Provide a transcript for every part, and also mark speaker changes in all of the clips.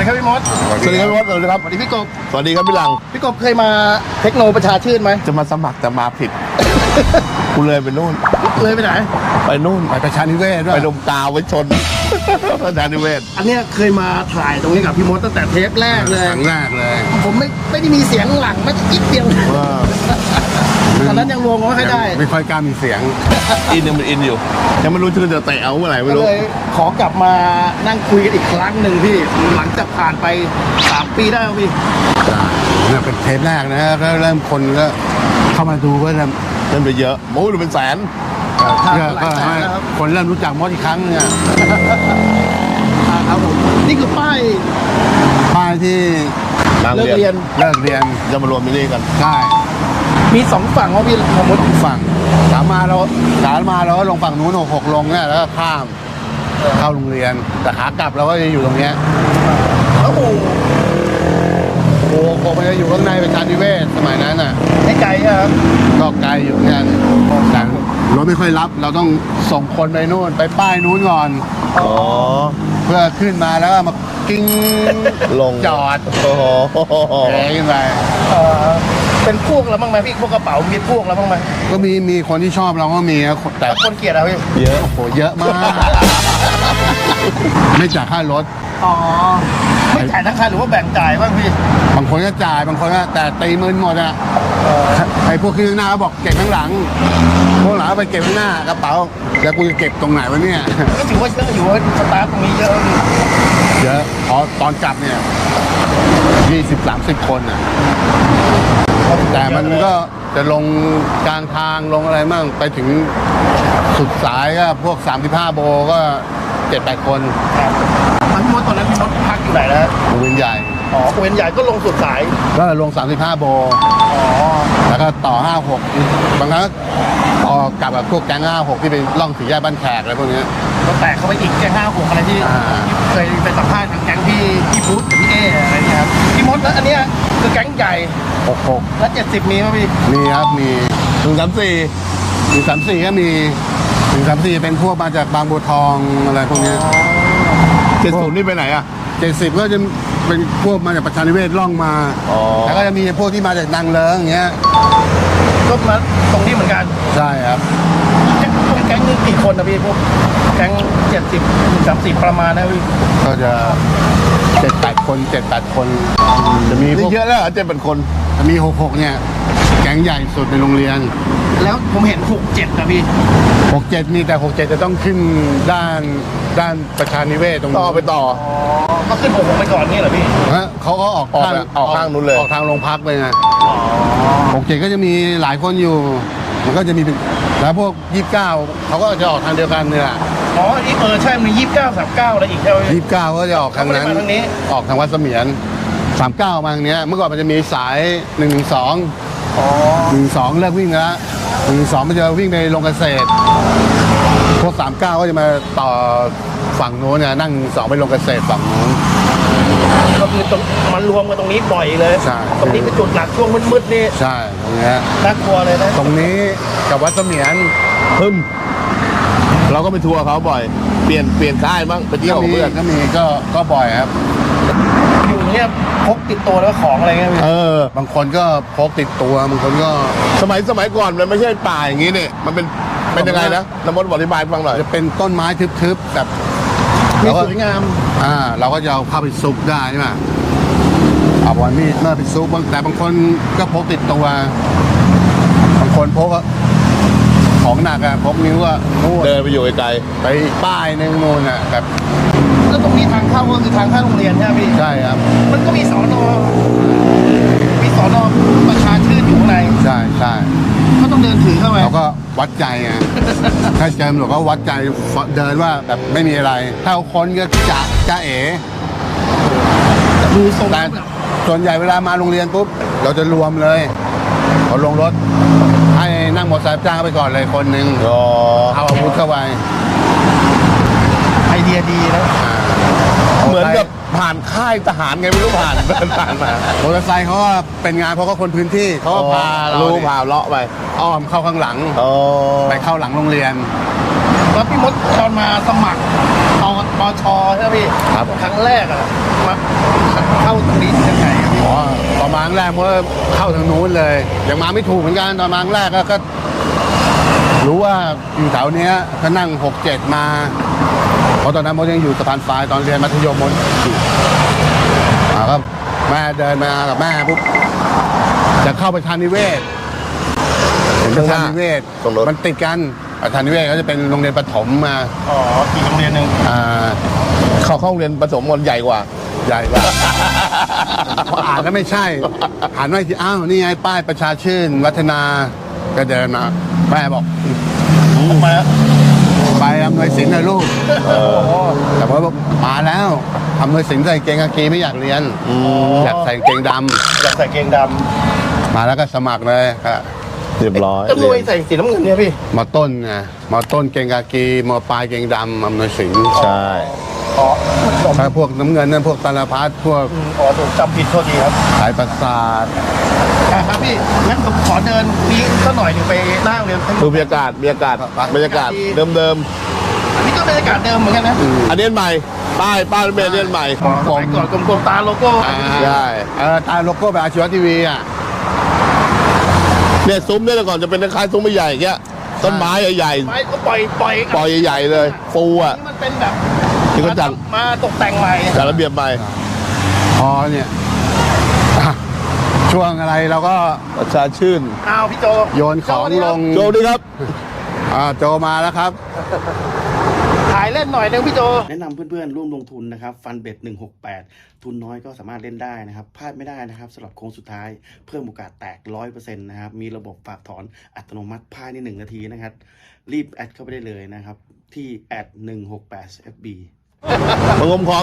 Speaker 1: ดีครับพี่มด
Speaker 2: สวัสดีครับพี่มดสวัสดีครับ
Speaker 1: สวัสดีพี่กบ
Speaker 2: สวัสดีครับพี่หลัง
Speaker 1: พี่กบเคยมาเทคโนประชาชื่นไหม
Speaker 2: จะมาสมัครแต่มาผิด กูเลยไปนู่น
Speaker 1: เลยไปไหน
Speaker 2: ไปนู่น
Speaker 3: ไปประชานิเวศด้วย
Speaker 2: ไปดมกาวไว้ชน ประชานิเวศ
Speaker 1: อันเนี้ยเคยมาถ่ายตรงนี้กับพี่มดตั้งแต่เทปแรกเลย
Speaker 3: ครั้งแรกเลย
Speaker 1: ผมไม่ได้มีเสียงหลังไม่คิดเดียวตอนนั้นยังรวมไม่ค่อยได้
Speaker 3: ไม่ค่อยกล้ามีเสียง
Speaker 2: อินยังมันอินอยู่ ยังไม่รู้ชื่อจะเตะเอาเมื่อไหร่ไม่
Speaker 1: ก็
Speaker 2: รู้
Speaker 1: เลยขอกลับมานั่งคุยกันอีกครั้งหนึ่งพี่หลังจากผ่านไป3 ปีได้แล้วพี่
Speaker 3: เนี่ยเป็นเทปแรกนะก็เริ่มคนก็เข้ามาดูก็เริ่ม
Speaker 2: เล่นไปเยอะโอ้ยดูเป็นแสน
Speaker 3: ก็ให้คนเริ่มรู้จักมดอีกครั้งเนี่ย
Speaker 1: ครับผมนี่คือป้าย
Speaker 3: ป้ายที่
Speaker 2: นาง
Speaker 1: เลิก
Speaker 2: เรี
Speaker 1: เรี
Speaker 2: ย
Speaker 1: ย
Speaker 2: น
Speaker 1: น
Speaker 3: เลิกเรียน
Speaker 2: จะมารวมที่นี่กัน
Speaker 3: ใช่
Speaker 1: มี2 ฝั่งว่าพี่สมมติ
Speaker 3: ฝั่งขามาเราก็ลงฝั่งนู้น66ลงเนี่ยแล้วก็ข้ามเข้าโรงเรียนแต่ขากลับเราก็จะอยู่ตรงเนี้ย
Speaker 1: โอ้โห
Speaker 3: โอ้โหมันจะอยู่ข้างในประชานิเวศสมัยนั้นน่ะ
Speaker 1: ไม่ไกลครับ
Speaker 3: ก็ไกลอยู่เนี่ยแต่รถไม่ค่อยรับเราต้องส่งคนไปนู่นไปป้ายนู้นก่อน
Speaker 2: อ๋อ
Speaker 3: เพื่อขึ้นมาแล้วก็มากิ้ง
Speaker 2: ลง
Speaker 3: จอด
Speaker 2: โอ้โห
Speaker 3: แหขึ้นไป
Speaker 1: เป็นพวกเราบ้างไหมพี่พวกกระเป๋ามีพวกเราบ้างไหม
Speaker 3: ก็มีคนที่ชอบเราก็มีนะแต่
Speaker 1: แต่คนเกลียดอะพี่
Speaker 2: เยอะ
Speaker 3: โอ้โหเยอะมาก ไม่จ่ายค่ารถ
Speaker 1: อ๋อไม่จ่ายทั้งคันหรือว่าแบ่งจ่ายบ้างพี่
Speaker 3: บางคนก็จ่ายบางคนก็แต่ตีมืนหมดอะไอ้พวกที่ข้างหน้าก็บอกเก็บข้างหลังพวกหลังก็ไปเก็บข้างหน้ากระเป๋าแล้วกูจะเก็บตรงไหนวะเนี่ย
Speaker 1: ก็ถือว่าเยอะอยู่ว่าสตาร์ทตรงนี้เยอะพี่
Speaker 3: เยอะพอตอนกลับเนี่ย20-30 คนอ่ะ แต่มันก็จะลงกลางทางลงอะไรมั่งไปถึงสุดสายก็พวก35โบก็7-8 คน
Speaker 1: ครับพี่มดตอนนั้นพี่มดพักอยู่ไหนนะ
Speaker 3: โรงเรียนใหญ่
Speaker 1: อ๋อเวียนใหญ่ก็ลงสุดสาย
Speaker 3: ก็ลง35โบ
Speaker 1: อ๋อ
Speaker 3: แล้วก็ต่อ56บางครั้งก็ออกกลับกับพวกแก๊ง56ที่ไปล่องสี่แยกบ้านแขกอะไรพวกเนี้ย
Speaker 1: ก็แตกเข้าไปอีกแก๊ง5 6อะไรที่
Speaker 3: อ่า
Speaker 1: เคยไปสัมภาษณ์ทางแก๊งพี่พุทธกับพี่เออะไรเงี้ยครับพี่มดแล้วอันเนี้ยคือแก๊งใหญ่
Speaker 3: 66
Speaker 1: แล้ว70มีไหมพี่
Speaker 3: มีครับมี
Speaker 2: 134
Speaker 3: 134ก็มี134เป็นพวกมาจากบางบัวทองอะไรพวกเนี้ย
Speaker 2: 70นี่ไปไหนอ่ะ
Speaker 3: 70ก็จะเป็นพวกมาจากประชานิเวศล่องมา
Speaker 2: อ๋อ
Speaker 3: แล้วก็จะมีพวกที่มาจากนางเลิ้งอย่างเงี้ย
Speaker 1: ก็มาตรงนี้เหมือนกัน
Speaker 3: ใช่ครับ
Speaker 1: แก๊งนึงกี่คนนะพี่พวกแก๊ง70-30ประมาณนะพี่
Speaker 3: ก็จะ7-8 คน7-8 คนจะมีพ
Speaker 2: นี่
Speaker 3: วก
Speaker 2: เยอะแล้วเหรอ7-8 คน
Speaker 3: จะมี66เนี่ยแก๊งใหญ่สุดในโรงเรียน
Speaker 1: แล้วผมเห็น67นะพี่
Speaker 3: 67นี่แต่67จะต้องขึ้นด้านประชานิเวศตรง
Speaker 2: ต่อไปต่อ
Speaker 1: อ๋อก็ขึ้น66ไปก่อนนี่เหรอพี่
Speaker 3: ฮะเขาก็ออก
Speaker 2: ออกข้างนู้นเลย
Speaker 3: ออกทางโรงพักไปไง
Speaker 1: อ๋อ
Speaker 3: 67ก็จะมีหลายคนอยู่มันก็จะมีเป็นแล้วพวก29เขาก็จะออกทางเดียวกันเนี่ย
Speaker 1: อ๋ออีกใช่มี29-39อะไรอีกใช่ไหมพี่
Speaker 3: 29ก็จะออกทางนั้น
Speaker 1: เขาไม่ได้มาทางนี้
Speaker 3: ออกทางวัดเสมียน39มาทางเนี้ยเมื่อก่อนมันจะมีสาย112
Speaker 1: อ๋อ
Speaker 3: 112เลิกวิ่งแล้ว112มันจะวิ่งไปลงเกษตรพวก39ก็จะมาต่อฝั่งโน้นเนี่ยนั่ง2ไปลงเกษตรฝั่งโน้น
Speaker 1: ก็คือตรงมันรวมกันตรงนี้บ่อยเลย
Speaker 3: ใช่
Speaker 1: ตรงนี้เป็นจุดหลักช่วงมืดๆนี่
Speaker 3: ใช่ตรงเนี้ย
Speaker 1: น่ากลัวเลยนะ
Speaker 3: ตรงนี้กับวัดเสมียน
Speaker 2: พึ่มเราก็ไปทัวร์เขาบ่อย เปลี่ยนค่ายบ้างไปเที่ยวกับเพื่อน
Speaker 3: ก็มีก็บ่อยครับ
Speaker 1: อยู่เนี่ยพกติดตัวแล้วของอะไรเงี้ยพี่
Speaker 2: เออ
Speaker 3: บางคนก็พกติดตัวบางคนก็
Speaker 2: สมัยก่อนมันไม่ใช่ป่าอย่างนี้เนี่ยมันเป็นยังไงนะน้ำมดบอกอธิบายให้ฟังหน่อย
Speaker 3: จะเป็นต้นไม้ทึบๆแบบ
Speaker 1: มี
Speaker 3: เราก็
Speaker 1: สวยงาม
Speaker 3: เราก็จะเอาเข้าไปซุกได้ใช่ไหมเอาบอลมีดมาไปซุกแต่บางคนก็พกติดตัวบางคนพกของหนักอะพกนิ้วอะนู่น
Speaker 2: เดินไปอยู่ไกล
Speaker 3: ไปป้ายหนึ่งนู่นอะแบบ
Speaker 1: แล้วตรงนี้ทางเข้าก็คือทางเข้าโรงเรียนใช่ไหมพี่
Speaker 3: ใช่ครับ
Speaker 1: มันก็มีสอนอประชาชื่นอยู่ข้างใน
Speaker 3: ใช่ใช่
Speaker 1: ก็ต้องเดินถือเข้าไป
Speaker 3: เราก็วัดใจไง ถ้าเจอตำรวจก็วัดใจเดินว่าแบบไม่มีอะไร ถ้าเอาคนก็จะเอ๋
Speaker 1: ดูทรง
Speaker 3: แต่ส่วนใหญ่เวลามาโรงเรียนปุ๊บเราจะรวมเลยเอาลงรถให้นั่งมอเตอร์ไซค์จ้างไปก่อนเลยคนหนึ่ง
Speaker 2: ๆอ๋อ
Speaker 3: เอาอาวุธเข้าไป
Speaker 1: ไอเดียดีนะ
Speaker 2: เหมือนกับผ่านค่ายทหารไงไม่รู้ผ่านมาม
Speaker 3: อเตอร์ไซค์เขาก็เป็นงานเพราะเขาคนพื้นที่เขาก็พาเรา
Speaker 2: รู้
Speaker 3: เนี่ย
Speaker 2: พาเลาะไป
Speaker 3: อ้อมเข้าข้างหลัง
Speaker 2: อ๋อ
Speaker 3: ไปเข้าหลังโรงเรียน
Speaker 1: แล้วพี่มดตอนมาสมัครตชใช่ไหมพี่
Speaker 2: ครับ
Speaker 1: ครั้งแรกอะมาเข้าตรงนี้ยังไงอะพี่
Speaker 3: อ๋อตอนมาครั้งแรกเมื่อเข้าทางนู้นเลยยังมาไม่ถูกเหมือนกันตอนมาครั้งแรกก็รู้ว่าอยู่แถวเนี้ยก็นั่ง6-7มาเพราะตอนนั้นมดยังอยู่สะพานฟ้ายตอนเรียนมัธยมมดอยู่ก็แม่เดินมากับแม่ปุ๊บจะเข้าประชานิเวศเห็นประชานิเวศ
Speaker 2: ตรงรถ
Speaker 3: มันติดกันประชานิเวศก็จะเป็นโรงเรียนประถมมา
Speaker 1: อ๋ออีกโรงเรียนหนึ่ง
Speaker 2: เขาเข้าโรงเรียนผสมมนใหญ่กว่า
Speaker 3: ใหญ่กว่า พออ่านแล้วไม่ใช่หันมาอีกทีอ้าวนี่ไงป้ายประชาชื่นวัฒนาก็เดินมาแม่บอก
Speaker 1: มาแล้ว
Speaker 3: ไปอำนวยสินนะลูกแต่พอบอกมาแล้วอำนวยสินใส่เกงกากีไม่อยากเรียนอยากใส่กางเกงด
Speaker 1: อยากใส่เกงด
Speaker 3: ำมาแล้วก็สมัครเลยครับ
Speaker 2: เรียบร้อย
Speaker 1: ำตำรวจใส่สีน้ำเงินเนี่ยพี่
Speaker 3: มอต้นไงมอต้นเกงกากีมอปลายเกงดำอำนวยสิน
Speaker 2: ใช่
Speaker 1: อ๋อ
Speaker 3: ถ้าพวกน้ำเงินนั่นพวกตาลพัดพวก
Speaker 1: อ๋อถูกจำผิดโทษทีครับ
Speaker 3: สายประสาท
Speaker 1: ครับพี่งั้นผมขอเดินนี้สักหน่อยหนึ่งไปหน้าโรงเรียน
Speaker 2: ดูบรรยากาศบรรยากาศเดิม
Speaker 1: อันนี้ก็บรรยากาศเดิมเหมือนกันนะ
Speaker 2: ๆอันนี้ใหม่ป้ายรถเมล์อันนี้ใหม่
Speaker 1: สมัยก่อนกลมๆตาโลโก้
Speaker 2: ใช่
Speaker 3: ตาโลโก้แบบอาชีวะทีวีอ่ะ
Speaker 2: เนี่ยซุ้มเนี่ยแต่ก่อนจะเป็นคล้ายๆซุ้มใหญ่ๆอย่างเงี้ยต้นไม้ใหญ่
Speaker 1: ไม้ก็ปล่อย
Speaker 2: ๆใหญ่ๆเลยฟูอ่ะ
Speaker 1: นี่มันเป็นแบบ
Speaker 2: ที่เขาจัด
Speaker 1: มาตกแต่งใหม่
Speaker 2: จัดระเบียบใหม่
Speaker 3: พอเนี่ยอ่ะช่วงอะไรเราก็
Speaker 2: ประชาชื่น
Speaker 1: อ้าวพี่โจ
Speaker 3: โยนของลง
Speaker 2: โจดีครับ
Speaker 3: โจมาแล้วครับ
Speaker 1: ถ่ายเล่นหน่อยนึงพี่โจแนะนำเพื่อนๆร่วมลงทุนนะครับฟันเบ็ด168ทุนน้อยก็สามารถเล่นได้นะครับพลาดไม่ได้นะครับสำหรับโค้งสุดท้ายเพิ่มโอกาสแตก 100% นะครับมีระบบฝากถอนอัตโนมัติภายใน1นาทีนะครับรีบแอดเข้าไปได้เลยนะครับที่168FB
Speaker 2: มางมของ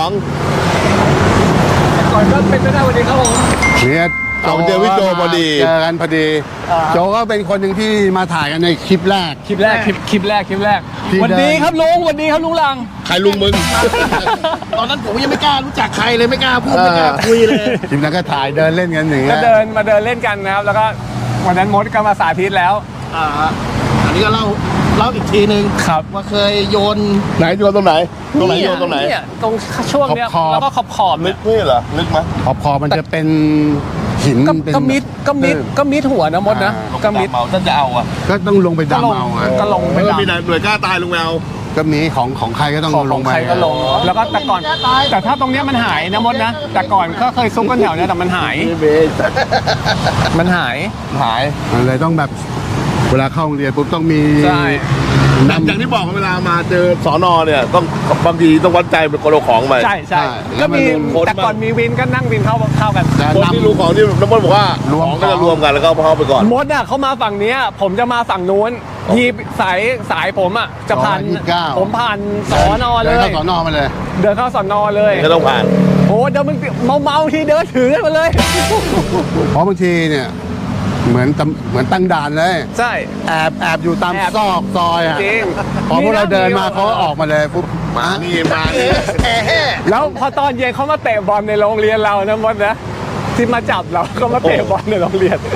Speaker 4: ก่อนก็เป็นไปได้วันนี้ครับผม
Speaker 3: เนี่ย
Speaker 2: เอาเจอพี่โจพอดี
Speaker 3: เจอกันพอดี โจก็เป็นคนหนึ่งที่มาถ่ายกันในคลิปแรก
Speaker 4: คลิปแรก
Speaker 3: ที่
Speaker 4: วันดีครับลุงวันดีครับลุงหลัง
Speaker 2: ใครลุงมึง
Speaker 1: ตอนนั้นผมยังไม่กล้ารู้จักใครเลยไม่กล้าพูดไม่กล้าคุยเลย
Speaker 3: คลิปนั้นก็ถ่ายเดินเล่นกันอย่างเงี้
Speaker 4: ก็
Speaker 3: ย
Speaker 4: เดินมาเดินเล่นกันนะครับ แล้วก็วันนั้นมดก็มาสาธิตแล้ว
Speaker 1: อันนี้ก็เล่าอีกทีนึง
Speaker 4: ครับ
Speaker 1: ว่าเคยโยน
Speaker 2: ไหนโยนตรงไหนโยนตรงไหน
Speaker 4: เนี่ยตรงช่วงเนี้ยแล้วก็ขอบ
Speaker 2: ลึกนี่เหรอลึกไหม
Speaker 3: พอมันจะเป็นหิน
Speaker 4: ๆ
Speaker 3: เป็น
Speaker 4: ก็มิดหัวนะมดนะก็มิด
Speaker 2: เมาท่านจะเอาอ่ะ
Speaker 3: ก็ต้องลงไปดำเอาอะ
Speaker 4: ก็ลงไป
Speaker 2: ไม่
Speaker 4: ดำ
Speaker 2: มีหน่วยกล้าตายลุงแมว
Speaker 3: ก็มีของใครก็ต้อง
Speaker 4: ของ
Speaker 3: ลงไป
Speaker 4: ใครก็ลง แล้วก็แต่ก่อนแต่ถ้าตรงเนี้ยมันหายนะมดนะแต่ก่อนก็เคยซุกกันแถวเนี้ยแต่มันหายมันหาย
Speaker 3: มันเลยต้องแบบเวลาเข้าโรงเรียนปุ๊บต้องมี
Speaker 4: ใช่
Speaker 2: อย่างที่บอกเวลามาเจอสอนอเนี่ยต้องบางทีต้องวัดใจเป็นคนเอาของไป
Speaker 4: ใช่ก็มีแต่ก่อนมีวินก็นั่งวินเข้ากัน
Speaker 2: คนที่รู้ของที่น้ำมันบอกว่าของก็จะรวมกันแล้วก็เอาไปก่อน
Speaker 4: มดอ่ะเขามาฝั่งเนี้ยผมจะมาฝั่งนู้นทีสายผมอ่ะจะผ่านผมผ่านสอนอเล
Speaker 3: เดิน
Speaker 4: ย
Speaker 3: เข้าสอนอมาเลย
Speaker 4: เดินเข้าสอนอเลย
Speaker 2: ก็ต้องผ่าน
Speaker 4: โอ้เดินมันเมาทีเดินถือกันมาเลย
Speaker 3: เพราะบางทีเนี่ยเหมือนตั้งด่านเลย
Speaker 4: ใช่
Speaker 3: แอบอยู่ตาม
Speaker 4: แอบ
Speaker 3: ซอกซอยอ่ะ
Speaker 4: จริง
Speaker 3: พอพวกเราเดินมาเขาก็ออกมาเลยปุ๊บมา
Speaker 2: นี่มานี่
Speaker 4: แล้วพอตอนเย็นเขามาเตะบอลในโรงเรียนเรานะมดนะที่มาจับเราก็มาเตะบอลในโรงเรียน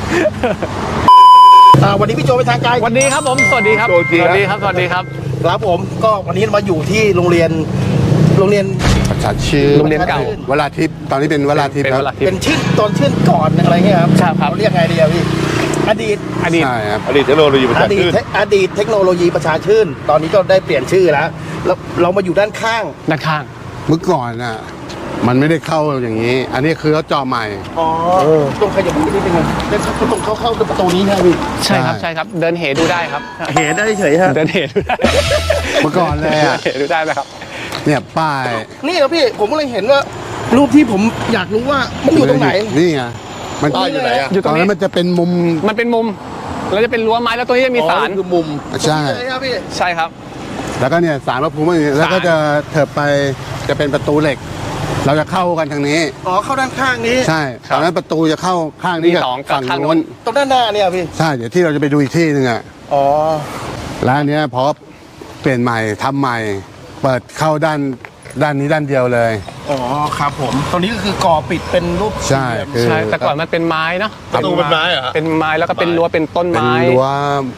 Speaker 1: วันนี้พี่โจเป็นทางการ
Speaker 4: วันนี้ครับผมสวัสดีครับสวัสดีครับ
Speaker 1: ครับผมก็วันนี้มาอยู่ที่โรงเรียน
Speaker 3: ประชาชื่อ
Speaker 4: โรงเรียนเก่า
Speaker 3: วราทิพย์ตอนนี้เป็นวราทิพย์
Speaker 4: เป็น
Speaker 3: ครับ
Speaker 4: เวลาที่
Speaker 1: เป็นชื่อตอนชื่อก่อนอะไรเงี้ยครับ
Speaker 4: ใช่ครับ
Speaker 1: เราเรียกไงดีอะพี่อดีต
Speaker 4: อดีต
Speaker 3: ใช่ครับ
Speaker 2: อดีตเทคโนโลยีประชาชื่น
Speaker 1: อดีตเทคโนโลยีประชาชื่น ตอนนี้ก็ได้เปลี่ยนชื่อแล้วเรามาอยู่ด้านข้าง
Speaker 4: ด้านข้าง
Speaker 3: เมื่อก่อนน่ะมันไม่ได้เข้าอย่างนี้ อันนี้คือเขาเจาะใหม่
Speaker 1: อ๋อตรงขยับนิดนึงเดินตรงเข้าประตูนี้ใช่ไหมพี่
Speaker 4: ใช่ครับเดินเหดูได้ครับ
Speaker 1: เห็นได้เฉยฮะ
Speaker 4: เดินเหดูได้
Speaker 3: เมื่อก่อนเลยอ่ะ
Speaker 4: เดินเหดูได้นะครับ
Speaker 3: เนี่ยป้าย
Speaker 1: นี่เหรอพี่ผมก็เลยเห็นว่ารูปที่ผมอยากรู้ว่ามันอยู่ตรงไหน
Speaker 3: นี่ไงมัน
Speaker 2: ป้ายอยู่ไหนอ่ะ
Speaker 4: อยู่ต
Speaker 3: ต
Speaker 4: ร
Speaker 3: อน
Speaker 4: ง
Speaker 3: นั้
Speaker 4: นี้
Speaker 3: นมันจะเป็นมุม
Speaker 4: มันเป็นมุมแล้วจะเป็นรั้วไม้แล้วตรงนี้จะมีศาล
Speaker 2: คือมุม
Speaker 3: ใช่
Speaker 1: ใช่ครับพี่
Speaker 4: ใช่ครับ
Speaker 3: แล้วก็เนี่ยศาลพระภูมิแล้วก็จะเถิบไปจะเป็นประตูเหล็ก เราจะเข้ากันทางนี้
Speaker 1: อ๋อเข้าด้านข้างนี้
Speaker 3: ใช่ตอนนั้นประตูจะเข้าข้างนี้กับ
Speaker 4: มีสองกับ
Speaker 3: ฝั่ง
Speaker 4: ข้างโน้
Speaker 3: โน้
Speaker 4: น
Speaker 3: น
Speaker 1: ตรงด้านหน้าเนี่ยพี่
Speaker 3: ใช่เดี๋ยวที่เราจะไปดูอีกที่หนึ่งอ่ะ
Speaker 1: อ๋อ
Speaker 3: แล้วอันเนี้ยพอเปลี่ยนใหม่ทำใหม่ เปิดเข้าด้านนี้ด้านเดียวเลย
Speaker 1: อ๋อครับผมตรงนี้ก็คือก่อปิดเป็นรูป
Speaker 3: ใช่คือ
Speaker 4: ใช่แต่ก่อนมันเป็นไม้เนาะ
Speaker 2: ประตูเป็นไม้เหรอฮะ
Speaker 4: เป็นไม้แล้วก็เป็นรั้วเป็นต้น
Speaker 3: เป็น
Speaker 4: ไม้
Speaker 3: รั้ว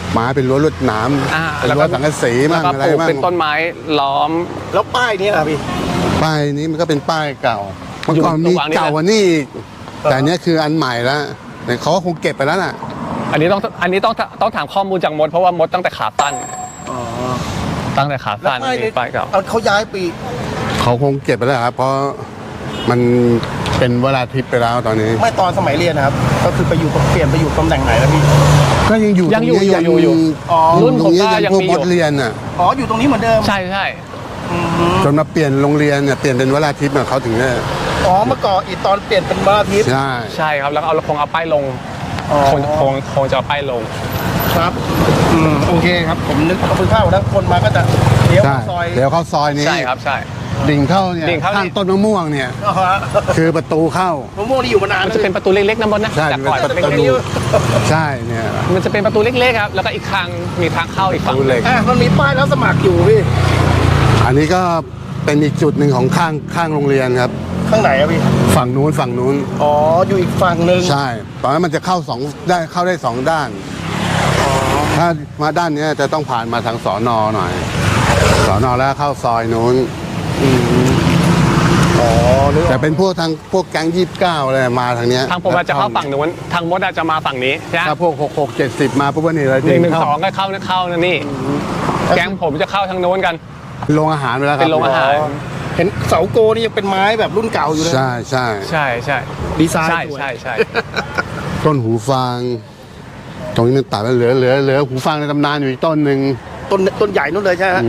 Speaker 3: ไม้เป็นรั้วลวดหนาม เป็น
Speaker 4: แล้ว
Speaker 3: รั้
Speaker 4: ก็
Speaker 3: วสังกะสี
Speaker 4: แล้
Speaker 3: มั่
Speaker 4: ว
Speaker 3: ง
Speaker 4: ก็
Speaker 3: อะไร
Speaker 4: ปลูก
Speaker 3: มั่ง
Speaker 4: เป็นต้นไม้ล้อม
Speaker 1: แล้วป้ายนี้ล่ะพี่
Speaker 3: ป้ายนี้มันก็เป็นป้ายเก่าเมื่อก่อน
Speaker 4: อยู่
Speaker 3: มี
Speaker 4: ระหว่างนี้
Speaker 3: เก่ากว่านี่อีกแต่อันเนี้ยคืออันใหม่แล้วแต่เขาก็คงเก็บไปแล้วน่ะ
Speaker 4: อันนี้ต้องถามข้อมูลจากมดเพราะว่ามดตั้งแต่ขาสั้น
Speaker 1: อ๋อ
Speaker 4: ตั้งแต่ขา
Speaker 1: แล้ว
Speaker 4: สั้น
Speaker 1: ป้ายนี้
Speaker 4: ป้ายเก่า
Speaker 1: เขาย้ายปี
Speaker 3: เขาคงเก็บไปแล้วครับ เพราะมันเป็นเวลาทิพย์ไปแล้วตอนนี้
Speaker 1: ไม่ตอนสมัยเรียนนะครับ ก็คือไปอยู่เปลี่ยนไปอยู่ตำแหน่งไหนแล้วพี่
Speaker 3: ก็ยังอยู่
Speaker 4: ยังอยู่
Speaker 3: ตรงนี้
Speaker 4: อยู่
Speaker 1: อ๋อ
Speaker 4: รุ่นผมก็
Speaker 3: ตร
Speaker 4: ยัง
Speaker 3: พวก
Speaker 4: มี
Speaker 3: ม
Speaker 4: อ
Speaker 3: ด
Speaker 4: ยู่
Speaker 3: เรียนน่ะ
Speaker 1: อ๋ออยู่ตรงนี้เหมือนเดิม
Speaker 4: ใช่ใช่
Speaker 3: จนมาเปลี่ยนโรงเรียนเนี่ยเปลี่ยนเป็นเวลาทิพย์เนี่ยเขาถึงเนี่ย
Speaker 1: อ๋อเมื่อก่อนอีตอนเปลี่ยนเป็นวันอาทิตย์
Speaker 3: ใช่
Speaker 4: ใช่ครับแล้วก็คงเอาป้ายลง
Speaker 1: อ๋อ
Speaker 4: คงจะเอาป้ายลง
Speaker 1: ครับโอเคครับผมนึกเอาไปข้าวแล้วคนมาก็จะเลี้ยว
Speaker 3: ใช่
Speaker 1: เข้าซอย
Speaker 3: เดี๋ยวเข้าซอยนี้
Speaker 4: ใช่ครับใช่
Speaker 3: ดิ่งเข้าเนี่ย
Speaker 4: ดิ่งเข้า
Speaker 3: ข้างต้นมะม่วงเนี่ย
Speaker 1: อ๋อฮะ
Speaker 3: คือประตูเข้า
Speaker 1: มะม่วงนี่อยู่มานาน
Speaker 4: มันจะเป็นประตูเล็กๆนะมดนะ
Speaker 3: ใช่
Speaker 4: จากก่อน
Speaker 3: มันเป็นประตู
Speaker 4: เล็ก
Speaker 3: ใช่เนี่ย
Speaker 4: ๆมันจะเป็นประตูเล็กๆครับแล้วก็อีกทางมีทางเข้าอีกฝั่ง
Speaker 3: ประตูเหล็ก
Speaker 1: มันมีป้ายแล้วสมัครอยู่พี่
Speaker 3: อันนี้ก็เป็นอีกจุดหนึ่งของข้างโรงเรียนครับ
Speaker 1: ข้างไหนอะพี่
Speaker 3: ฝั่งนู้น
Speaker 1: อ๋ออยู่อีกฝั่งหนึ่ง
Speaker 3: ใช่ตอนนั้นมันจะเข้าได้สองด้าน ถ้ามาด้านเนี้ยจะต้องผ่านมาทางสอนอหน่อยสอนอแล้วเข้าซอยนู้น
Speaker 1: อ๋อนึกอ
Speaker 3: แต่
Speaker 1: อก
Speaker 3: เป็นพวกแก๊ง29อะไรมาทางเนี้ย
Speaker 4: ทางผมอาจจะเข้าฝั่งนู้นทางมดอาจจะมาฝั่งนี้ใช่ไหม
Speaker 3: ถ้าพวก66 70มาปุ๊บว่านี่เลย
Speaker 4: 112ก็เข้านะนี่แก๊งผมจะเข้าทางโน้นกัน
Speaker 3: โรงอาหารไปแล้วครับ
Speaker 4: เป็นโรงอาหาร
Speaker 1: เห็นเสาโกนี่ยังเป็นไม้แบบรุ่นเก่าอยู่เลย
Speaker 3: ใช่
Speaker 4: ใช่ใช่
Speaker 1: ดีไซน์
Speaker 4: ใช่
Speaker 1: สวย
Speaker 4: ใช่ใช่
Speaker 3: ต้นหูฟาง ตรงนี้มันตัดแล้วเหลือหูฟางในตำนานอยู่อีกต้นหนึ่ง
Speaker 1: ต้นใหญ่นู่นเลยใช่ไหมฮะ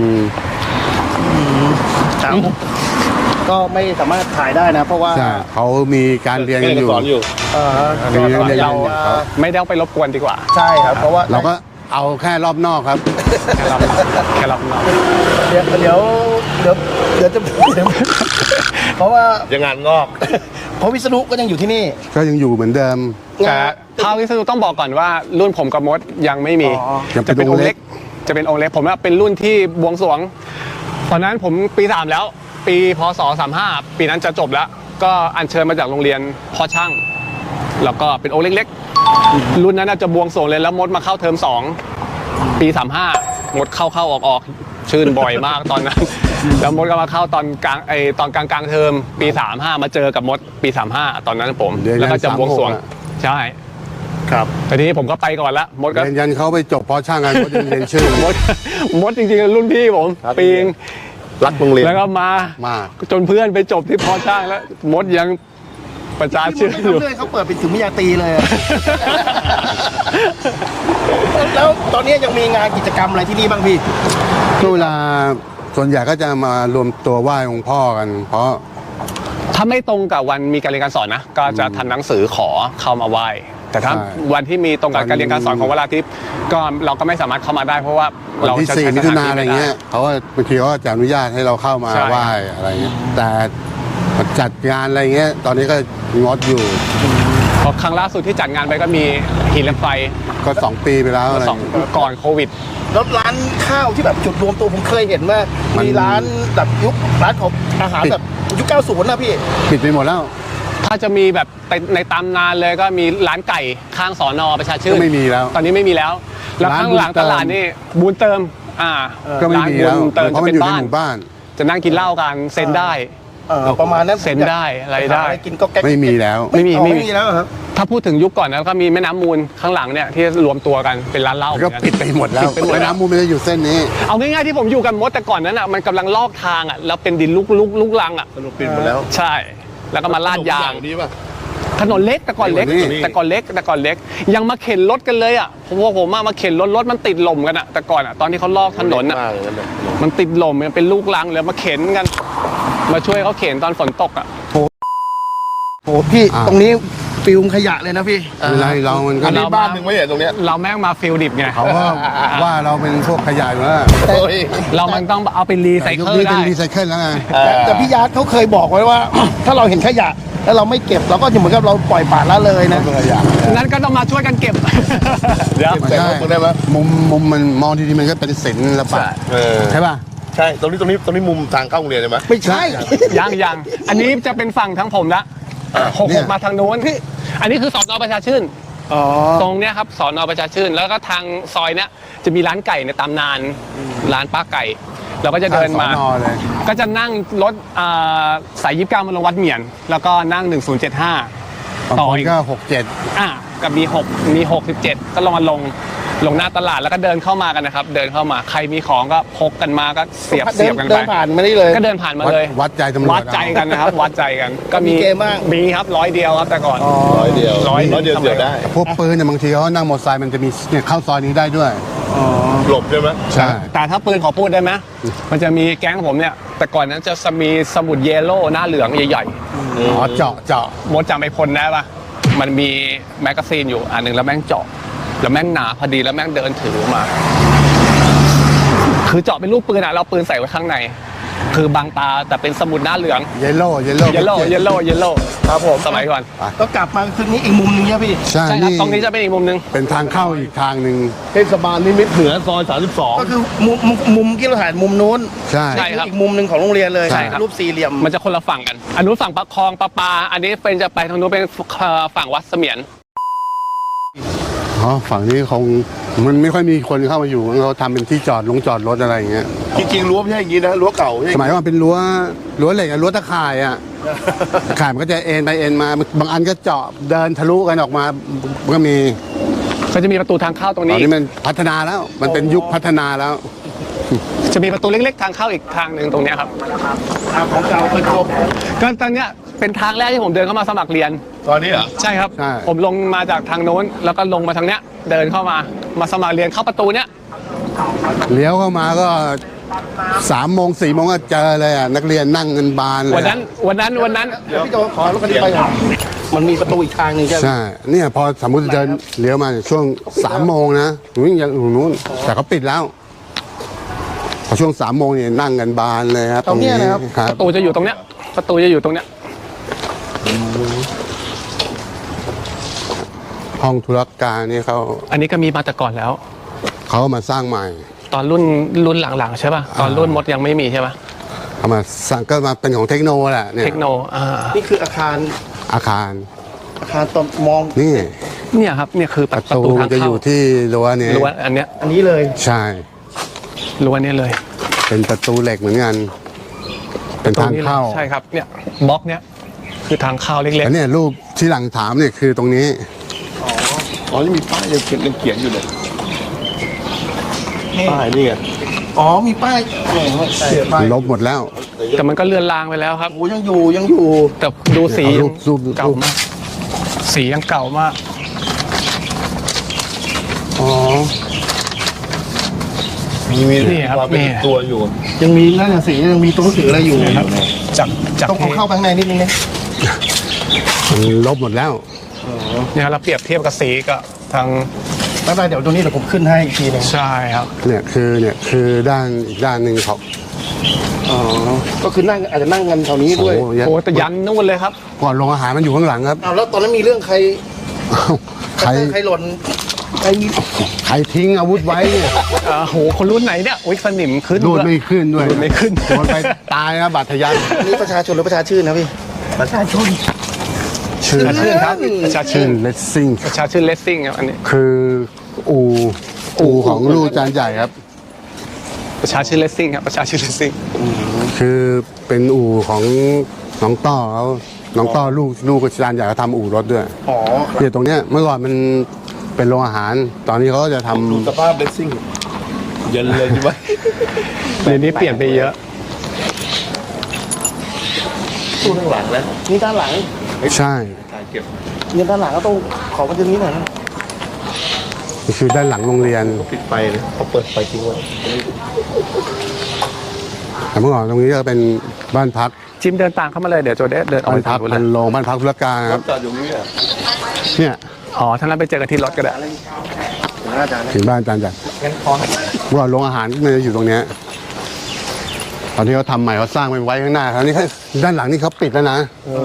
Speaker 1: ครับก็ไม่สามารถถ่ายได้นะ เพราะว่า
Speaker 3: ใช่เขามีการเรียนกันอยู่
Speaker 1: ก็
Speaker 3: เรียน
Speaker 4: เรา
Speaker 3: อยู่ครับ
Speaker 4: ไม่ได้เอาไปรบกวนดีกว่า
Speaker 1: ใช่ครับ เพราะว่า
Speaker 3: เราก็เอาแค่รอบนอกครับ
Speaker 4: แค่รับน้อง
Speaker 1: เดี๋ยวจะเพราะว่า
Speaker 2: ยังงานงอก
Speaker 1: เพราะวิษณุก็ยังอยู่ที่นี่
Speaker 3: ก็ยังอยู่เหมือนเดิม
Speaker 4: แต่เท่าที่สนุต้องบอกก่อนว่ารุ่นผมกับมดยังไม่มี
Speaker 1: อ๋อ
Speaker 3: ยังเป็
Speaker 4: จะ
Speaker 3: น
Speaker 4: เป็นองค์
Speaker 3: องค์เล็
Speaker 4: เล็
Speaker 3: ก
Speaker 4: ก จะเป็นองค์เล็กผมว่าเป็นรุ่นที่บวงสรวง ตอนนั้นผมปี 3 แล้ว ปีพศ35ปีนั้นจะจบแล้ว ก็อัญเชิญมาจากโรงเรียนพ่อช่าง แล้วก็เป็นองค์เล็กๆ รุ่นนั้นน่าจะบวงสรวงเลยแล้วมดมาเข้าเทอม2ปี35มดเข้าออกชื่นบ่อยมากตอนนั้น แล้วมดก็มาเข้าตอนกลางเทอมปี35มาเจอกับมดปี35ตอนนั้นผม
Speaker 3: เดือน
Speaker 4: แล้วก็จะบวงสรวง
Speaker 3: 36อะ
Speaker 4: ใช่
Speaker 1: ครับ
Speaker 4: แต่ทีนี้ผมก็ไปก่อนละมดก็
Speaker 3: เรียนยันเขาไปจบเพราะช่างกันเขายังเรียนชื่อ
Speaker 4: มดจริงๆรุ่นพี่ผมปีง
Speaker 2: รักโรงเรียน
Speaker 4: แล้วก็มา
Speaker 3: มา
Speaker 4: จนเพื่อนไปจบที่พอช่างแล้วมดยังประจาน
Speaker 1: ที่
Speaker 4: ชื่อ
Speaker 1: มันไม่
Speaker 4: อยู่
Speaker 1: ทำเรื่องเขาเปิดเป็นถึงวิทยาตรีเลยอะ แล้วตอนนี้ยังมีงานกิจกรรมอะไรที่นี่บ้างพี่
Speaker 3: ก็เวลาส่วนใหญ่ก็จะมารวมตัวไหว้องค์พ่อกัน เพราะ
Speaker 4: ถ้าไม่ตรงกับวันมีการเรียนการสอนนะ ก็จะทำหนังสือขอเข้ามาไหว้ แต่ถ้า
Speaker 3: ใช่
Speaker 4: วันที่มีตรงกับการเรียนการสอนของเวลาทิพย์ก็เราก็ไม่สามารถเข้ามาได้ เพราะว่า
Speaker 3: วัน
Speaker 4: เรา
Speaker 3: ที่
Speaker 4: จะ
Speaker 3: 4
Speaker 4: ใช้
Speaker 3: มิ
Speaker 4: ส
Speaker 3: ถุ
Speaker 4: ถาน
Speaker 3: นา
Speaker 4: ที่
Speaker 3: อะไร
Speaker 4: ไม่ได้
Speaker 3: เงี้ยเขาก็บางทีเขาก็จะอนุญาตให้เราเข้ามา
Speaker 4: ใช่
Speaker 3: ไหว้อะไรเงี้ยแต่จัดงานอะไรเงี้ย ตอนนี้ก็งดอยู่
Speaker 4: เพราะครั้งล่าสุดที่จัดงานไปก็มีหินเหล็กไฟ
Speaker 3: ก็ 2 ปีไปแล้วอะไร
Speaker 4: สองก่อนโควิด
Speaker 1: แล้วร้านข้าวที่แบบจุดรวมตัวผมเคยเห็นว่า
Speaker 3: มัน
Speaker 1: มีร้านแบบร้านของอาหารแบบยุค 90 นะพี่
Speaker 3: ปิดไปหมดแล้ว
Speaker 4: ถ้าจะมีแบบในตำนานเลยก็มีร้านไก่ข้างสอนอประชาชื่
Speaker 3: ก็
Speaker 4: น
Speaker 3: ไม่มีแล้ว
Speaker 4: ตอนนี้ไม่มีแล้ว แล้วข้างหลังตลาดนี่บูนเติม
Speaker 3: ก็ไม่มีแล้ว
Speaker 4: ร้านบูนเติม
Speaker 3: เพราะ
Speaker 4: จะ
Speaker 3: มัน
Speaker 4: เป็น
Speaker 3: อยู่ใน
Speaker 4: บ้าน
Speaker 3: หมู่บ้าน
Speaker 4: จะนั่งกินเหล้ากันเซ็นได้
Speaker 1: ประมาณนั้น
Speaker 4: เซ็นได้อะไรได้
Speaker 1: หากินก็แก๊ก
Speaker 3: ไม่มีแล้ว
Speaker 4: ไม่มี
Speaker 1: ไม่มีแล้วเหรอครับ
Speaker 4: ถ้าพูดถึงยุคก่อนนะก็มีแม่น้ำมูลข้างหลังเนี่ยที่รวมตัวกันเป็นร้านเหล้า
Speaker 3: ก็ปิดไปหมดแล้ว
Speaker 4: ปิดไปหมด
Speaker 3: แม่
Speaker 4: แล้ว
Speaker 3: น้ำมูลไม่ได้อยู่เส้นนี้
Speaker 4: เอาง่ายๆที่ผมอยู่กันมดแต่ก่อนนั้นอ่ะมันกำลังลอกทางอ่ะแล้วเป็นดินลุกลังอ่ะ
Speaker 2: สรุปปิดหมดแล้ว
Speaker 4: ใช่ แล้วก็มาลาดยาง
Speaker 2: นี้ป่ะ
Speaker 4: ถนนเล็กแต่ก่อนเล็ก
Speaker 3: นี่
Speaker 4: แต่ก่อนเล็กยังมาเข็นรถกันเลยอ่ะผมมาเข็นรถมันติดลมกันอ่ะแต่ก่อนอ่ะตอนที่เขาลอกถนนอ่ะ
Speaker 2: มากเลยนะ
Speaker 4: มันติดลมมันเป็นลูกลังเลยมาเข็นกัน มาช่วยเขาเข็นตอนฝนตกอ่ะ
Speaker 1: โอ้พี่ตรงนี้ฟิลมขยะเลยนะพี่
Speaker 3: เวลาเรามันก็
Speaker 4: อันนี้
Speaker 2: บ้านหนึ่งไม่เห็นตรงเนี้ย
Speaker 4: เราแม่งมาฟิลดิบไง
Speaker 3: เขาก็ว่าเราเป็นพวกขยะอยู่แล้ว
Speaker 2: โอ้ย
Speaker 4: เรามันต้องเอาไปรีไซ
Speaker 3: แต่ยุค
Speaker 4: เคิล
Speaker 3: นี้เป็
Speaker 4: ได้
Speaker 3: นรีไซเคิลแล้วไง
Speaker 1: แต่พี่ยาร์ดเขาเคยบอกไว้ว่า ถ้าเราเห็นขยะ แล้วเราไม่เก็บเราก็จะเหมือนกับเราปล่อยปละละเลยนะ
Speaker 3: เป็นขยะ
Speaker 4: นั้นก็ต้องมาช่วยกันเก็บ เดี๋ยว
Speaker 3: ไม่ใช่
Speaker 2: แต่งรถมึงได้ไหม
Speaker 3: มุมมันมองดีๆมันก็เป็นศิลปะ
Speaker 2: เออ
Speaker 3: ใช่ป่ะ
Speaker 2: ใช่ตรงนี้มุมทางเข้าโรงเรียนใช่ไหม
Speaker 1: ไม่ใช่
Speaker 4: ยังอันนี้จะเป็นฝั่งทั้งผมละหก
Speaker 3: เนี่
Speaker 4: หก
Speaker 3: ย
Speaker 4: มาทางโน้นอันนี้คือสอนอประชาชื่น
Speaker 1: อ๋อ
Speaker 4: ตรงเนี้ยครับสอนอประชาชื่นแล้วก็ทางซอยเนี้ยจะมีร้านไก่ในตำนานร้านป้าไก่เราก็จะเดินมา
Speaker 3: ข้งสอนอเลย
Speaker 4: ก็จะนั่งรถสาย29มาลงวัดเหมียน แล้วก็นั่ง 1075
Speaker 3: บาง
Speaker 4: ต่อ
Speaker 3: คน
Speaker 4: อีก
Speaker 3: ก็67
Speaker 4: กับมี67ก็ลงหน้าตลาดแล้วก็เดินเข้ามากันนะครับ เดินเข้ามาใครมีของก็พกกันมาก็เสียบกัน
Speaker 1: เดิ
Speaker 4: ไป
Speaker 1: นผ่านมานี่เลย
Speaker 4: ก็เดินผ่านมาเลย
Speaker 3: วัดใจตำรวจ
Speaker 4: วัดใจกันนะครับ วัดใจกันก็
Speaker 1: มีเกมบ้าง
Speaker 4: มีครับ100 เดียวครับแต่ก่อน
Speaker 2: ร้อยเดียว
Speaker 4: ร้อยเดียว
Speaker 2: เดียวได้
Speaker 3: พวกปืนเนี่ยบางทีเขานั่งมอเตอร์ไซค์มันจะมีเนี่ยเข้าซอยนี้ได้ด้วย
Speaker 2: หลบใช่ไหม
Speaker 3: ใช่
Speaker 4: แต่ถ้าปืนขอพูดได้ไหมมันจะมีแก๊งผมเนี่ยแต่ก่อนนั้นจะมีสมุดเยลโล่หน้าเหลืองใหญ่
Speaker 3: อ๋อเจาะ
Speaker 4: ๆมดจำไอ้พลได้ปะมันมีแมกกาซีนอยู่อันหนึ่งแล้วแม่งเจาะแล้วแม่งหนาพอดีแล้วแม่งเดินถือมา คือเจาะเป็นรูปปืนอะเราปืนใส่ไว้ข้างใน คือบางตาแต่เป็นสมุดหน้าเหลือง
Speaker 3: เยลโล่
Speaker 4: เยลโล่ครับผมสมัยก่อน
Speaker 1: ก็กลับมาคืนนี้อีกมุมนึงใช่พี่
Speaker 3: ใช่
Speaker 4: ใช่ครับ
Speaker 3: นี่
Speaker 4: ตรงนี้จะเป็นอีกมุมนึง
Speaker 3: เป็นทางเข้าอีกทางหนึ่ง
Speaker 2: เทศบาลนิมิตรเหนือซอย32
Speaker 1: ก็คือมุมที่เราถ่ายมุมนู้น
Speaker 3: ใช่
Speaker 4: ใช่ครับ
Speaker 1: อีกมุมหนึ่งของโรงเรียนเลย
Speaker 3: ใช่ครับ
Speaker 1: รูปสี่เหลี่ยม
Speaker 4: มันจะคนละฝั่งกันอันนู้นฝั่งประคองประปา อันนี้เป็นจะไปทางนู้นเป็นฝั่งวัดเสมียน
Speaker 3: อ๋อฝั่งนี้คงมันไม่ค่อยมีคนเข้ามาอยู่เขาทำเป็นที่จอดรถอะไรอย่างเงี้ย
Speaker 2: จริงๆรั้วไม่ใช่อย่างนี้นะรั้วเก่า
Speaker 3: สมัยก่อนเป็นรั้วเหล็กอะรั้วตะข่ายอะตะข่ายมันก็จะเอ็นไปเอ็นมาบางอันก็เจาะเดินทะลุกันออกมาก็มี
Speaker 4: ก็จะมีประตูทางเข้าตรง
Speaker 3: ตอ
Speaker 4: นี้
Speaker 3: นนี้มันพัฒนาแล้ว มันเป็นยุคพัฒนาแล้ว
Speaker 4: จะมีประตูเล็กๆทางเข้าอีกทางหนึ่งตรงเนี้ยครับ
Speaker 1: ของเก่าเคยครบ
Speaker 4: ก็ตอนเนี้ยเป็นทางแรกที่ผมเดินเข้ามาสมัครเรียน
Speaker 2: ตอนนี้เหรอ
Speaker 4: ใช่ครับ
Speaker 3: ใช่
Speaker 4: ผมลงมาจากทางโน้นแล้วก็ลงมาทางเนี้ยเดินเข้ามาสมัครเรียนเข้าประตูเนี้ย
Speaker 3: เลี้ยวเข้ามาก็3 โมง 4 โมงก็เจอเลยอะนักเรียนนั่งกันบานเลย
Speaker 4: วันนั้น
Speaker 1: เดี๋ยวพี่โจขอรถคันนี้ไปก่อนมันมีประตูอีกทางหนึ่งใช่ไหม
Speaker 3: ใช่เนี่ยพอสมมติเดินเลี้ยวมาช่วง3 โมงนะวิ่งอย่างนู้นแต่เขาปิดแล้วพอช่วง3 โมงเนี่ยนั่งกันบานเลยครับ
Speaker 1: ตรงเนี้ยนะครับ
Speaker 3: ครับ
Speaker 4: ประตูจะอยู่ตรงเนี้ยประตูจะอยู่ตรงเนี้ย
Speaker 3: ห้องธุรการนี่เขา
Speaker 4: อันนี้ก็มีมาแต่ก่อนแล้ว
Speaker 3: เขามาสร้างใหม่
Speaker 4: ตอนรุ่นหลังๆใช่ป่ะตอนรุ่นมดยังไม่มีใช่ป่ะ
Speaker 3: เขามาสร้างก็มาเป็นของเทคโนแหละเนี่ย
Speaker 4: เทคโน
Speaker 1: นี่คืออาคาร
Speaker 3: อาคาร
Speaker 1: ตอนมอง
Speaker 3: นี่
Speaker 4: เนี่ยครับเนี่ยคือ
Speaker 3: ป
Speaker 4: ประ ระ
Speaker 3: ตู
Speaker 4: ตูทาง
Speaker 3: จะอ
Speaker 4: เข้า
Speaker 3: ยู่ที่รั้วเนี่ย
Speaker 4: รั้วอันเนี้ย
Speaker 1: อันนี้เลย
Speaker 3: ใช่
Speaker 4: รั้วเนี้ยเลย
Speaker 3: เป็นประตูเหล็กเหมือนกันเป็นทางเข้า
Speaker 4: ใช่ครับเนี่ยบล็อกเนี้ยคือทางเข้าเล็ก
Speaker 3: แล้วเนี่ยรูปที่หลังถามเนี่ยคือตรงนี้
Speaker 2: อ๋อนี่มีป้ายยังเขียนอยู่เลยป้ายนี่ไง
Speaker 1: อ๋อมีป้ายใช่ป้าย
Speaker 3: ลบหมดแล้ว
Speaker 4: ๆแต่มันก็เลือนลางไปแล้วครับ
Speaker 1: โอ้ยังอยู่
Speaker 4: แต่ดูสี
Speaker 3: เอารูปรูป
Speaker 4: เก่ามากสียังเก่ามาก
Speaker 3: อ๋อ
Speaker 2: มี
Speaker 4: นี่ครับ
Speaker 2: ความเป็น
Speaker 4: นี่
Speaker 2: ตัวอยู่
Speaker 1: ยังมีนั่นน่ะสียังมีตัวหนังสืออะไรอยู่
Speaker 4: ครับจาก
Speaker 1: ต้องเข้าไปข้างในนิดนึงนะ
Speaker 3: มันลบหมดแล้ว
Speaker 4: เนี่ยเราเปรียบเทียบกับสีกับทาง
Speaker 1: ไม่เป็นไรเดี๋ยวตรงนี้เดี๋ยวผมขึ้นให้อีกทีหนึง
Speaker 4: ใช่ครับ
Speaker 3: เนี่ยคือด้านอีกด้านหนึ่งเขา
Speaker 1: อ๋อก็คือนั่งอาจจะนั่งกันแถวนี้ด้วย
Speaker 3: โอ้โห
Speaker 4: โอ้แต่ยันนู่นเลยครับ
Speaker 3: ก่อนลงอาหารมันอยู่ข้างหลังครับ
Speaker 1: อ้าวแล้วตอนนั้นมีเรื่องใคร
Speaker 3: ใคร
Speaker 1: ใครหล่นใครมี
Speaker 3: ใครทิ้งอาวุธไว้เนี่ย
Speaker 4: โหคนรุ่นไหนเนี่ยอุ้ยสนิมขึ้น
Speaker 3: รูดไม่ขึ้นด้วย
Speaker 4: รูดไม่ขึ้น
Speaker 3: โดนไปตายนะบาดทะยัน
Speaker 1: อันนี้ประชาชนหรือประชาชื่นนะพี่ประชาชน
Speaker 3: ชื่อ
Speaker 4: ประชาชื่นครับประชาชื่
Speaker 3: ชื่
Speaker 4: น
Speaker 3: อเลสซิ่ง
Speaker 4: ประชาชื่นเลสซิ่งครับอันนี้
Speaker 3: คืออู่ของลูกจานใหญ่ครับ
Speaker 4: ประชาชื่นเลสซิ่งครับประชาชื่นเลสซิ่ง
Speaker 3: คือเป็นอู่ของน้องต้อเขาน้องต้อลูกจานใหญ่เขาทำอู่รถด้วย
Speaker 1: อ๋อ
Speaker 3: เนี่ยตรงเนี้ยเมื่อก่อนมันเป็นโรงอาหาร ตอนนี้เขาก็จะทำ
Speaker 2: ดูสภาพเลสซิ่งเย็นเลยใช่ไหม
Speaker 4: เดี๋ยวนี้เปลี่ยนไปเยอะ
Speaker 2: ตู้ข้างหลังแล้ว
Speaker 1: นี่ด้านหลัง
Speaker 3: ใช่
Speaker 2: การเก็บ
Speaker 1: เนี่ยด้านหลังก็ต้องขอมันจะนี้หน่อยนะ
Speaker 3: นี่คือด้านหลังโรงเรียน
Speaker 2: ปิดไฟเลยเขาเปิดไฟทิ้งไว้
Speaker 3: แต่เมื่อก่อนตรงนี้ก็เป็นบ้านพัก
Speaker 4: จิมเดินตามเข้ามาเลยเดี๋ยวโจเดเดินออก
Speaker 3: บ้า
Speaker 4: ไป
Speaker 3: นพั
Speaker 4: ทาก งนู้นเล
Speaker 3: พั
Speaker 4: ย
Speaker 3: นโรงบ้านพักธุรการครับ
Speaker 2: จอดอยู่นี่อ่ะ
Speaker 3: เนี่ย
Speaker 4: อ๋อท่านนั้นไปเจอกันที่รถก็ได้
Speaker 1: อาจารย์
Speaker 3: ถึงบ้านจานใหญ่
Speaker 1: งั้นขอ
Speaker 3: เมื่อก่อนโรงอาหารมันจะอยู่ตรงเนี้ยตอนที่เขาทำใหม่เขาสร้างไปไว้ข้างหน้าคราวนี้ด้านหลังนี่เขาปิดแล้วนะ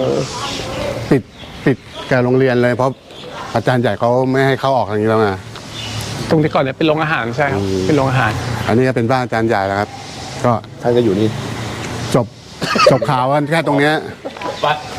Speaker 3: ปิดกับโรงเรียนเลยเพราะอาจารย์ใหญ่เขาไม่ให้เข้าออกอย่างนี้แล้วนะ
Speaker 4: ตรงที่ก่อนเนี่ยเป็นโรงอาหารใช่ครับเป็นโรงอาหาร
Speaker 3: อันนี้ก็เป็นบ้านอาจารย์ใหญ่แล้วครับ ก็
Speaker 2: ท่านก็อยู่นี่
Speaker 3: จบข่าวกันแค่ตรงเนี้ย
Speaker 2: ไป